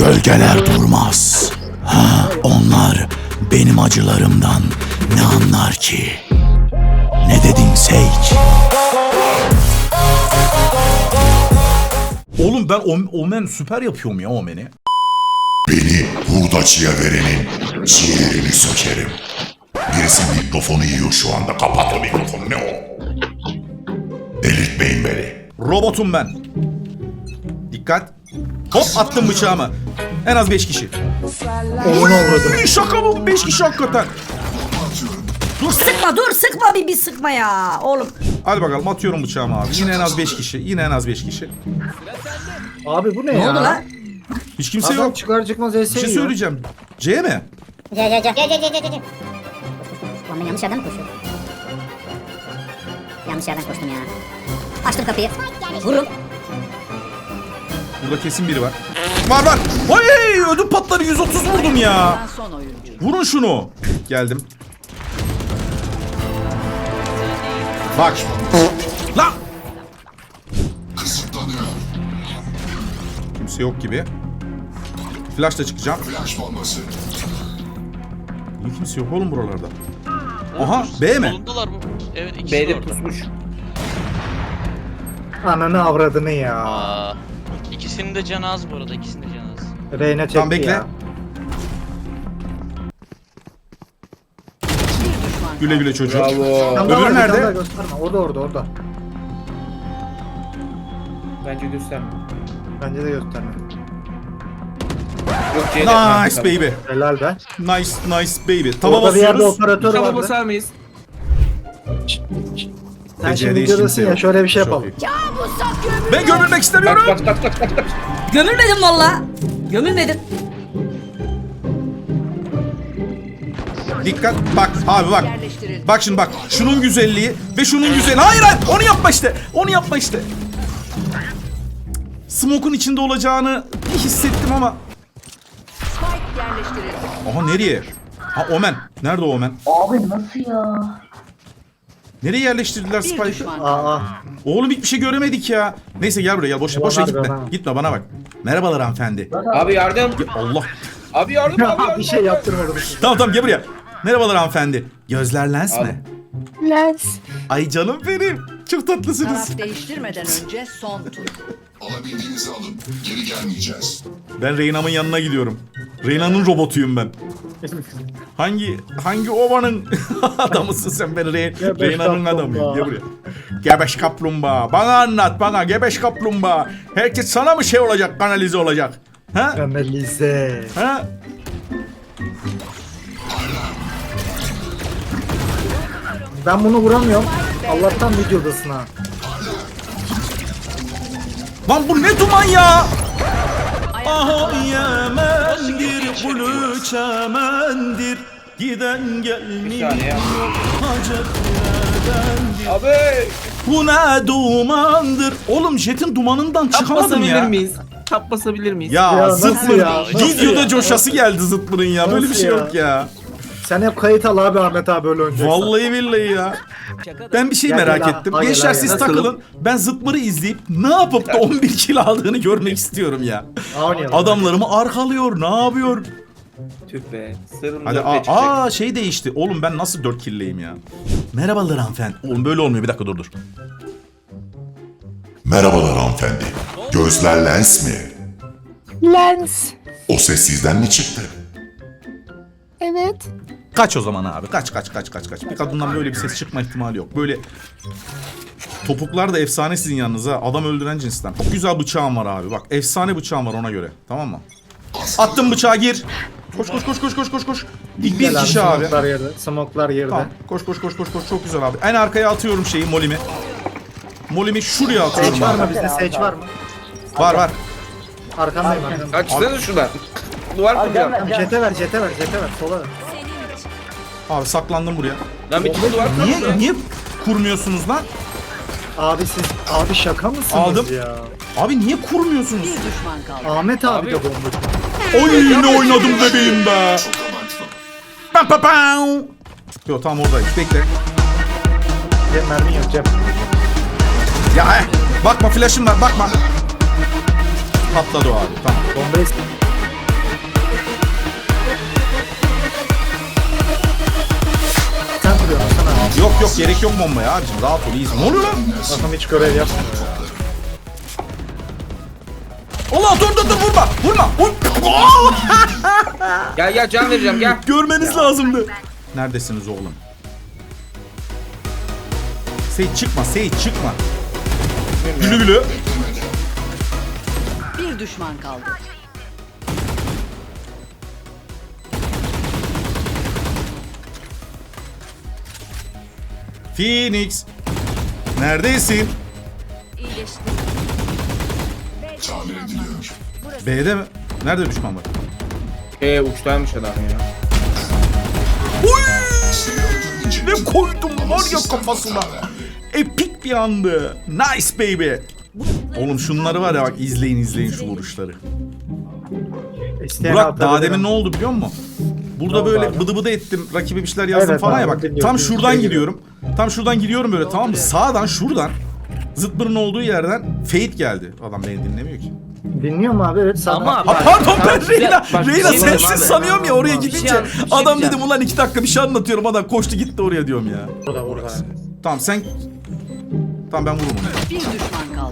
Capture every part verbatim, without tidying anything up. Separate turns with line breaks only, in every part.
Gölgeler durmaz. Ha, onlar benim acılarımdan ne anlar ki? Ne dedin Sage?
Oğlum ben Om- Omen süper yapıyorum ya Omen'i.
Beni hurdacıya verenin ciğerini sökerim. Birisi mikrofonu yiyor şu anda. Kapat o mikrofonu. Ne o? Delirtmeyin beni.
Robotum ben. Dikkat. Hop attım bıçağımı. En az beş kişi. Oy, şaka mı? beş kişi hakikaten.
Dur sıkma dur sıkma bir bir sıkma ya oğlum.
Hadi bakalım atıyorum bıçağımı abi. Yine en az beş kişi. Yine en az beş kişi.
Abi bu ne,
Ne
ya?
oldu lan?
Hiç kimse
Adam
yok.
çıkar çıkmaz
Bir
ese
şey
yiyor.
söyleyeceğim. C mi?
Gel gel gel gel gel gel gel gel. Lan ben yanlış yerden mi koşuyorum? Yanlış yerden koştum ya. Açtım kapıyı. Vururum.
Burada kesin biri var. Var var. Oy, ödüm patları yüz otuz vurdum ya. Vurun şunu. Geldim. Bak. Lan.
Kısıtlanıyor.
Kimse yok gibi. Flash'la çıkacağım.
Flash bombası.
Niye kimse yok oğlum buralarda? Aha B mi?
Solundalar mı? Evet ikisi de
B'de
orada.
pusmuş. Ananı avradını ya.
Aa, ikisinin de canı az bu arada. İkisinin de canı az.
Reyna çekti
Tamam, bekle.
ya.
Güle güle çocuk.
Tam da
Öbürü
var, bir
nerede?
tane daha gösterme. Orada orada orada.
Bence gösterme.
Bence de gösterme.
Yok C'de.
Nice baby.
Helal be.
Nice nice baby. Tava
Orada bir yerde
basıyoruz.
operatör
Tamam
vardı.
basar mıyız?
Sen
T C'de
şimdi
hiç
videodasın
kimse
ya,
yok.
şöyle bir şey
Çok
yapalım.
iyi. Ben gömülmek istemiyorum.
Bak bak bak bak bak.
Gömülmedim valla. Gömülmedim.
Dikkat. Bak abi bak. Bak şimdi bak. Şunun güzelliği ve şunun güzelliği. Hayır hayır. Onu yapma işte. Onu yapma işte. Smoke'un içinde olacağını hissettim ama. Aha nereye? Ha Omen. Nerede o Omen?
Abi nasıl ya?
Nereye yerleştirdiler Spike'ı?
Aa,
Oğlum hiçbir şey göremedik ya. Neyse gel buraya gel. Boşa boşa
Bana,
gitme.
bana.
Gitme bana bak. Merhabalar hanımefendi.
Abi yardım.
Ya Allah.
Abi yardım abi
ya
yardım.
bir şey yaptırmadım.
Tamam tamam gel buraya. Merhabalar hanımefendi. Gözler lens
Al.
mi?
Lens.
Ay canım benim. Çok tatlısınız.
Taraf değiştirmeden önce son tur.
Alabildiğinizi alın. Geri gelmeyeceğiz.
Ben Reyna'mın yanına gidiyorum. Reyna'nın robotuyum ben. Hangi hangi ovanın adamısın sen ben Re
Gebeş
Reyna'nın
kaplumbağa.
adamıyım. Gel buraya. Gebeş kaplumbağa. Bana anlat bana gebeş kaplumbağa. Herkes sana mı şey olacak, kanalize olacak? Ha?
Kanalize.
Ha?
Ben bunu vuramıyorum. Allah'tan videodasın ha.
Lan bu ne duman ya? Aha Yemen'dir, kulu çemendir. Giden
Bir
gelmiyor.
saniye.
Hacet neredendir?
Abi.
Bu ne dumandır? Oğlum jetin dumanından
Tap
çıkamadım
basabilir
ya.
miyiz? Tap basabilir miyiz?
Ya,
Ya nasıl
zıtmır.
ya? Nasıl
Videoda
ya?
coşası geldi zıtmırın ya. Böyle bir
Nasıl
şey
ya?
yok ya.
Sen hep kayıt al abi, Ahmet abi öyle oynayacaksan.
Vallahi billahi ya. Ben bir şey
Gel,
merak
gel,
ettim.
ha, gel,
Gençler
ha,
siz
gel.
takılın. Ben zıtmırı izleyip ne yapıp da on bir kilo aldığını görmek istiyorum ya.
Oynayalım.
Adamlarımı arkalıyor. Ne yapıyor?
Tüh be. Sırrım
Hadi
dörtte
aa,
çıkacak.
aa şey değişti. Oğlum ben nasıl dört killeyim ya? Merhabalar hanımefendi. Oğlum böyle olmuyor. Bir dakika dur dur.
Merhabalar hanımefendi. Gözler lens mi?
Lens.
O ses sizden mi çıktı?
Evet.
Kaç o zaman abi. Kaç kaç kaç kaç kaç. Bir kadından böyle bir ses çıkma ihtimali yok. Böyle topuklar da efsane sizin yanınıza. Adam öldüren cinsten. Çok güzel bıçağım var abi. Bak efsane bıçağım var ona göre. Tamam mı? Attım bıçağı gir. Koş koş koş koş koş koş koş. Bir, bir
Gel
kişi abi.
Smoklar yerde. Smoklar yerde.
Tamam. Koş koş koş koş koş. Çok güzel abi. En arkaya atıyorum şeyi molimi. Molimi şuraya atıyorum
Sage var mı
abi.
bizde? Sage var mı?
Var var.
Arkandayım arkandayım.
Açsana şuradan. Duvar kuracağım.
Jete ver, jete ver, jete ver. Sola ver.
Abi saklandım buraya.
Lan bir tane duvar
Niye
kuracağım.
niye kurmuyorsunuz lan?
Abi siz, abi şaka mısınız
Aldım.
ya?
Abi niye kurmuyorsunuz?
Bir düşman kaldı.
Ahmet abi,
Abi.
de bomba.
Oy ne oynadım bebeğim be. Pam pam pam. Yo tam oradayım. Bekle.
Cem mermi yok Cem.
Ya eh, bakma flash'ım var bakma. Patladı o abi tamam.
Bombayı s-
gerek yok bombaya abicim. Rahat ol iyiyiz. Ne oluyor lan?
Adam hiç görev yapmıyor.
Allah dur dur dur vurma. Vurma. Vur.
Gel gel can vereceğim gel.
Görmeniz lazımdı. Neredesiniz oğlum? Seyit çıkma, Seyit çıkma. Gülü gülü.
Bir düşman kaldı.
Phoenix. Neredesin? B'de mi? Nerede düşman var?
Eee uçtaymış adam ya.
Uy! Ne koydum var ya kafasına. Epik bir andı. Nice baby. Oğlum şunları var ya bak izleyin izleyin şu vuruşları.
İsteyen
Burak
atabilirim.
daha demin ne oldu biliyor musun? Burada
Ne oldu
böyle
abi?
bıdı bıdı ettim. Rakibe bir şeyler yazdım
Evet
falan
abi,
ya bak.
dinliyorum.
Tam şuradan
Şey
gidiyorum. Tam şuradan gidiyorum böyle tamam mı? Sağdan şuradan zıtbırın olduğu yerden Fate geldi. Adam beni dinlemiyor ki.
Dinliyor mu abi? Evet sana.
Ama
Ha
bak,
pardon
tamam,
ben
güzel.
Reyna,
Bak, bir
Reyna
şey diyeyim
sensiz
abi.
sanıyorum ya oraya
Bir şey
gidince.
an- bir şey
Adam
diyeceğim.
dedim ulan iki dakika bir şey anlatıyorum adam koştu gitti oraya diyorum ya.
Burada burada.
Tamam sen... Tamam ben vururum onu.
Bir düşman kaldı.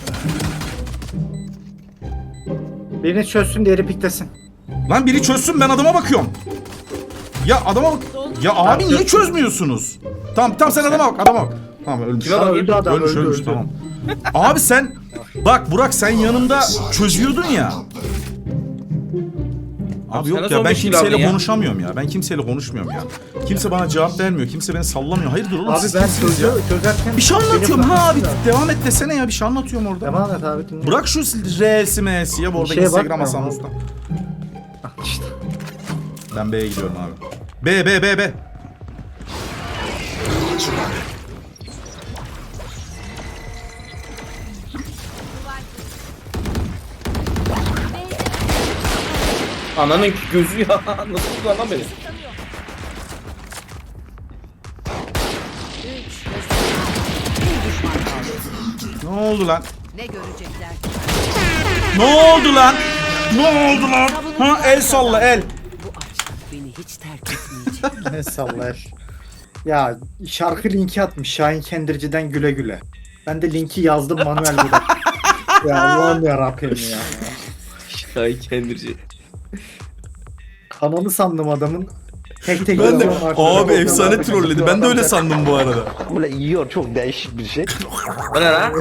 Birini çözsün diğeri piklesin.
Lan biri çözsün ben adama bakıyorum. Ya adama bak. Ya abi niye çözmüyorsunuz? Tamam tamam sen adama bak adama bak. Tamam ölmüş.
Kime
Aa,
bakayım?
öldü adam
Ölmüş
öldü
ölmüş
öldü.
tamam. Abi sen bak Burak sen yanımda çözüyordun ya. Abi
sen
yok
nasıl
ya
on
ben
beş kilo
kimseyle
aldın ya?
konuşamıyorum ya. Ben kimseyle konuşmuyorum ya. Kimse bana cevap vermiyor. Kimse beni sallamıyor. Hayırdır oğlum
Abi
siz
ben
kimsiniz ya?
çözü, çözerken...
Bir şey anlatıyorum
Beni
ha abi.
bırakmışsın
Devam et desene ya bir şey anlatıyorum orada.
da. Devam et abi dinle.
Bırak şu R'si M'si ya bu arada
Bir şeye
Instagram
bakmıyorum
Hasan
abi.
Usta.
İşte.
Ben B'ye gidiyorum abi. B B B B.
Ananın gözü ya. Nasıl tutuyor lan beni?
Bir düşman kaldı.
Ne oldu lan?
Ne görecekler?
Ne oldu lan? Ne oldu lan? Ha el salla el.
Beni hiç terk etmeyecek.
Ne sallar. Ya şarkı linki atmış Şahin Kendirci'den güle güle. Ben de linki yazdım manuel burada. Ya Allah'ım yarabbim ya.
Şahin Kendirci.
Kanalı sandım adamın. Tek tek
Ben de
yazıyorum arkada.
abi efsane trolledi. Ben de öyle sandım bu arada.
Böyle yiyor çok değişik bir şey.
O ne lan?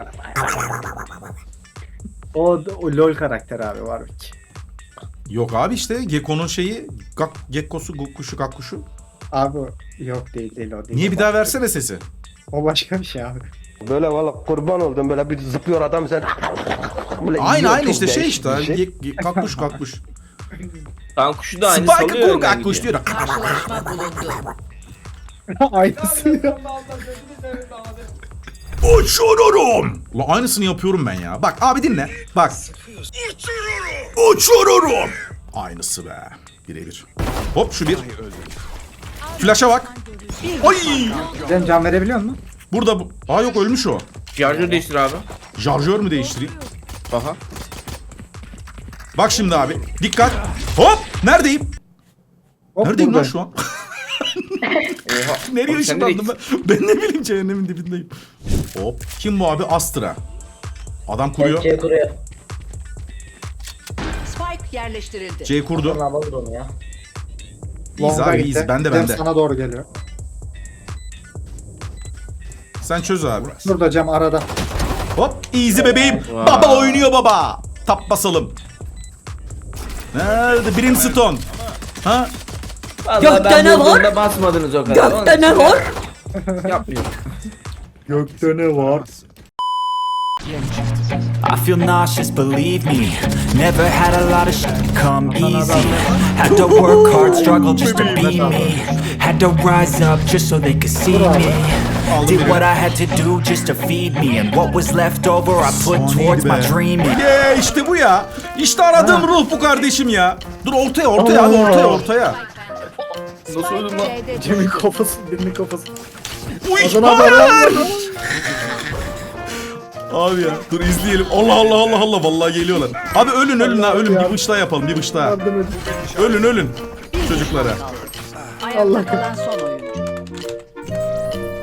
O, o LOL karakter abi var ki.
Yok abi işte Gekko'nun şeyi gak, Gekko'su kuşu kakkuşu.
Abi yok değil değil o değil.
Niye
O
bir daha
başka-
versene sesi?
O başka bir şey abi.
Böyle valla kurban oldum böyle bir zıplıyor adam sen. Böyle
Aynı
yiyor,
aynı
çok
işte şey
değişik
işte.
bir şey.
Ge, ge, kakkuş kakkuş.
Tamam kuşu da aynı
Spike
salıyor.
kur
önden
kakkuş
gidiyor.
diyor.
Karşılaşma bulundu.
Aynısı ya.
Uçururum. Ulan aynısını yapıyorum ben ya. Bak abi dinle. Bak. Uçururum. Aynısı be. Birebir. Hop şu bir. Flash'a bak. Ay.
Sen can verebiliyor musun?
Burada bu. Aa yok ölmüş o.
Şarjör değiştir abi.
Şarjör mü değiştireyim?
Aha.
Bak şimdi abi. Dikkat. Hop. Neredeyim?
Hop,
Neredeyim lan
burada.
şu an?
Oha.
Nereye
Oğlum sen
ışınlandım
nereye
ben? Ben ne bileyim cehennemin dibindeyim. Hop. Kim bu abi? Astra. Adam kuruyor.
Spike yerleştirildi.
C kurdu. İyiyiz
Longa
abi
gitti.
iyiyiz. Bende
Cem
bende.
sana doğru geliyor.
Sen çöz abi.
Burada Cem arada.
Hop. Easy bebeğim. Baba oynuyor baba. Tap basalım. Nerede? Brimstone. Ha?
Vallahi
Gökte
ben
ne var?
vurduğumda basmadınız o kadar.
Gökte ne var?
Yapmıyor.
Gökte ne var?
I feel nauseous, believe me. Never had a lot of shit come easy. Had to work hard, struggle just to be me. Had to rise up just so they could see me. Did what I had to do just to feed me. And what was left over I put towards my dreaming.
Yeah, işte bu ya. İşte aradığım ruh bu kardeşim ya. Dur ortaya ortaya abi ortaya ortaya.
Nasıl öldüm lan?
Cem'in kafası, birinin kafası.
Uy,
Adana
hayır!
haber
Abi ya dur izleyelim. Allah Allah Allah Allah vallahi geliyorlar. Abi ölün ölün ha ölün bir bıç daha yapalım bir bıç daha.
Yardım edin.
Ölün ölün çocuklara.
Ayakta kalan son oyuncu.